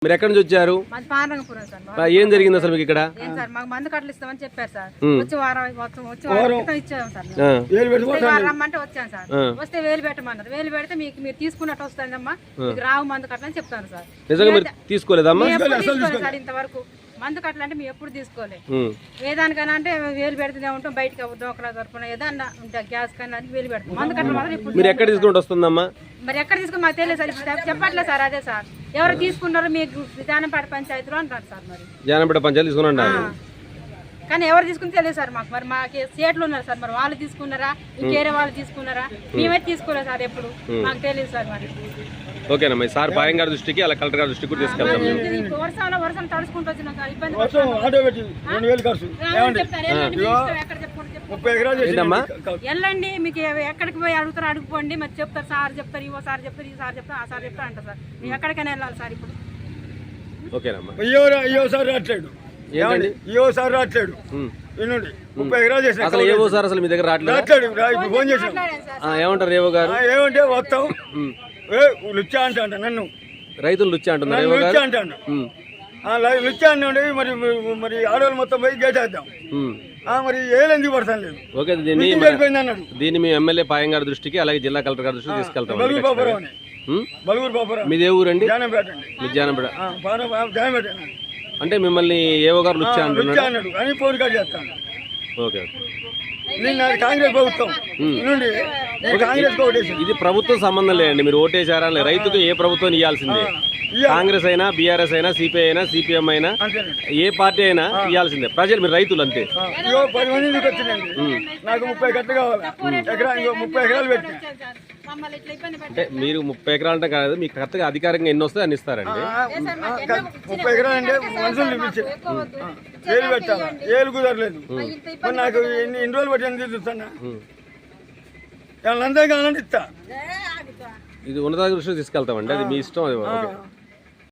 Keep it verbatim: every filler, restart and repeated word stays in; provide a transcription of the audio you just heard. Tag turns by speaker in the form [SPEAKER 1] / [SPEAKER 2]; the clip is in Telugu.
[SPEAKER 1] మీరు ఎక్కడి నుంచి వచ్చారు?
[SPEAKER 2] మాది పానరంగపురం సార్.
[SPEAKER 1] ఏం జరిగింది అసలు మీకు ఇక్కడ?
[SPEAKER 2] ఏం సార్ మాకు మందు కట్టలు ఇస్తామని చెప్పారు సార్. వచ్చి వారం మొత్తం వచ్చి వారం క్రితం ఇచ్చాము సార్. రమ్మంటే వచ్చాను సార్. వస్తే వేలు పెట్టమన్నారు. వేలు పెడితే మీకు మీరు తీసుకున్నట్టు వస్తుందమ్మా, మీకు రావు మందు కట్టలని చెప్తాను సార్.
[SPEAKER 1] నిజంగా మీరు తీసుకోలేదమ్మా?
[SPEAKER 2] సార్ ఇంతవరకు మందు కట్టలు అంటే మేము ఎప్పుడు తీసుకోలేదు. ఏదానికైనా అంటే వేలు పెడుతూనే ఉంటాం, బయటకి దోకలా దొరకడం ఏదన్నా ఉంటా గ్యాస్ కానీ వేలు పెడతాం. మందు కట్టలు మాత్రం ఇప్పుడు
[SPEAKER 1] మీరు ఎక్కడ తీసుకుంటూ వస్తుందమ్మా?
[SPEAKER 2] మరి ఎక్కడ తీసుకుని మాకు తెలియదు సార్, చెప్పట్లేదు సార్. అదే సార్ ఎవరు తీసుకున్నారో మీకు జానంపేట పంచాయతీలో అంటారు సార్. మరి
[SPEAKER 1] జానంపేట పంచాయతీ తీసుకున్నా
[SPEAKER 2] కానీ ఎవరు తీసుకుని తెలియదు సార్ మాకు. మరి మాకు సేట్లు ఉన్నారు సార్, మరి వాళ్ళు తీసుకున్నారా ఇంకేరే వాళ్ళు తీసుకున్నారా? మేమైతే తీసుకోలేదు సార్, ఎప్పుడు మాకు తెలియదు సార్. మరి
[SPEAKER 1] ఓకేనమ్మా, సార్ పాయం గారి దృష్టికి అలా కలెక్టర్ గారి దృష్టికి తీసుకెళ్తాం.
[SPEAKER 2] వర్షంలో వర్షం తడుచుకుంటూ వచ్చినాం సార్, ఇబ్బంది వెళ్ళండి. మీకు ఎక్కడికి పోయి అడుగుతారు అడుగుపోండి, మరి చెప్తారు సార్ చెప్తారు, ఇవో సార్ చెప్తారు, ఈ సార్ చెప్తారు, ఆ సార్ చెప్తారు అంటారు సార్. మీరు ఎక్కడికైనా వెళ్ళాలి సార్ ఇప్పుడు.
[SPEAKER 1] ఓకేనమ్మా,
[SPEAKER 3] సార్ రావట్లేదు సార్ రావట్లేదు ముప్పై ఎకరాలు చేసిన
[SPEAKER 1] అసలు ఏవో సార్ అసలు మీ దగ్గర రావట్లేదు.
[SPEAKER 3] ఫోన్ చేసాం.
[SPEAKER 1] ఏమంటారు ఏవో గారు?
[SPEAKER 3] ఏమంటే వస్తాం లుచ్చా అంట అంట నన్ను
[SPEAKER 1] రైతులు లుచ్చా అంటున్నారు.
[SPEAKER 3] లుచ్చా అంటాను లుచ్చా అంటే మరి మరి ఆడవాళ్ళు మొత్తం పోయి గేటేద్దాం మరి ఏలెందుకు పడతాను లేదు.
[SPEAKER 1] ఓకే, దీన్ని
[SPEAKER 3] అన్నాడు.
[SPEAKER 1] దీన్ని మీ ఎమ్మెల్యే పాయం గారి దృష్టికి అలాగే జిల్లా కలెక్టర్ గారి దృష్టికి తీసుకెళ్తాం.
[SPEAKER 3] బలుగురు బాపురం అని బలుగురు బాపురం
[SPEAKER 1] మీదే ఊరండి?
[SPEAKER 3] జానంపేట అండి.
[SPEAKER 1] మీ జానంపేట
[SPEAKER 3] జానంపేట
[SPEAKER 1] అంటే మిమ్మల్ని ఏవో గారు లుచ్చా అంటున్నాడు
[SPEAKER 3] అన్నాడు అని ఫోన్ కాల్ చేస్తాను.
[SPEAKER 1] ఓకే
[SPEAKER 3] నిన్న కాంగ్రెస్ ప్రభుత్వం నుండి కాంగ్రెస్ ఓటేసి
[SPEAKER 1] ఇది ప్రభుత్వం సంబంధం లేదండి. మీరు ఓటేసారా? రైతుకు ఏ ప్రభుత్వం ఇవ్వాల్సిందే. కాంగ్రెస్ అయినా, బీఆర్ఎస్ అయినా, సిపిఐ అయినా, సిపిఎం అయినా, ఏ పార్టీ అయినా ఇవ్వాల్సిందే. ప్రజలు మీరు రైతులు అంతే.
[SPEAKER 3] పది మంది వచ్చిందండి, నాకు ముప్పై కట్టలు కావాలి, ఎకరా ముప్పై ఎకరాలు పెట్టి.
[SPEAKER 1] అంటే మీరు ముప్పై ఎకరాలు అంటే కాదు, మీకు కరెక్ట్గా అధికారంగా ఎన్ని వస్తే అన్ని ఇస్తారండి.
[SPEAKER 3] ముప్పై ఎకరాలు అంటే మనుషులు చూపించారు, ఏలు పెట్టాలా, ఏలు కుదరలేదు. మరి నాకు ఎన్ని ఎన్ని రోజులు పట్టి చూస్తున్నా, వాళ్ళంతా కావాలంటే ఇస్తా.
[SPEAKER 1] ఇది ఉన్నత దృష్టికి తీసుకెళ్తామండి, అది మీ ఇష్టం. అది